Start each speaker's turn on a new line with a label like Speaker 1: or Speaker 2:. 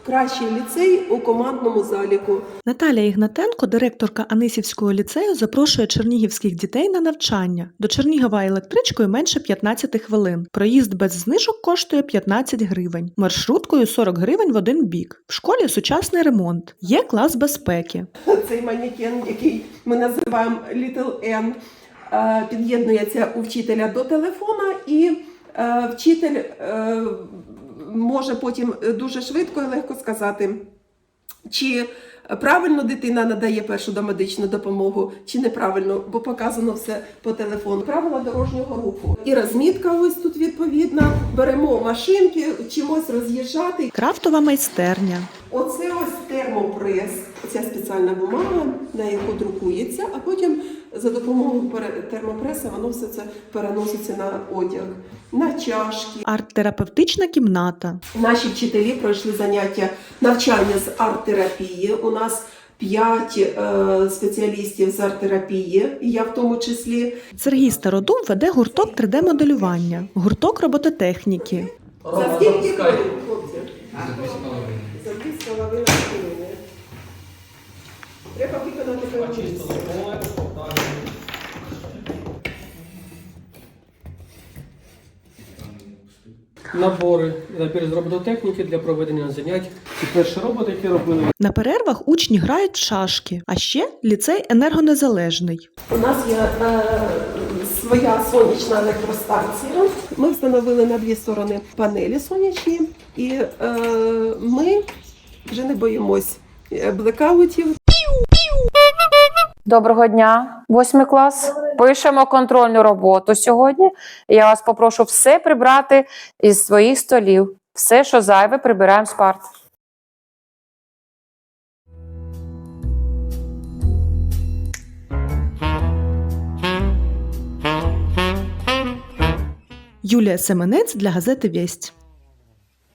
Speaker 1: Кращий ліцей у командному заліку.
Speaker 2: Наталія Ігнатенко, директорка Анисівського ліцею, запрошує чернігівських дітей на навчання. До Чернігова електричкою менше 15 хвилин. Проїзд без знижок коштує 15 гривень. Маршруткою 40 гривень в один бік. В школі сучасний ремонт. Є клас безпеки.
Speaker 1: Цей манекен, який ми називаємо Little N, під'єднується у вчителя до телефона, і вчитель може потім дуже швидко і легко сказати, чи правильно дитина надає першу домедичну допомогу, чи неправильно, бо показано все по телефону. Правила дорожнього руху. І розмітка ось тут відповідна. Беремо машинки, вчимось роз'їжджати.
Speaker 2: Крафтова майстерня.
Speaker 1: Оце ось термопрес. Ця спеціальна бумага, на яку друкується, а потім за допомогою термопреса воно все це переноситься на одяг, на чашки.
Speaker 2: Арт-терапевтична кімната.
Speaker 1: Наші вчителі пройшли навчання з арт-терапії. У нас 5 спеціалістів з арт-терапії, і я в тому числі.
Speaker 2: Сергій Стародум веде гурток 3D-моделювання, гурток робототехніки.
Speaker 1: За скільки хвилин, хлопці? За 2,5 хвилини. Треба виконати певну місію.
Speaker 3: Набори з робототехніки для проведення занять. Це перші роботи, які робили.
Speaker 2: На перервах учні грають в шашки, а ще ліцей енергонезалежний.
Speaker 1: У нас є своя сонячна електростанція. Ми встановили на 2 сторони панелі сонячні, і ми вже не боїмось блекаутів.
Speaker 4: Доброго дня, 8 клас. Пишемо контрольну роботу сьогодні. Я вас попрошу все прибрати із своїх столів. Все, що зайве, прибираємо з парт.
Speaker 2: Юлія Семенець для газети «Весть».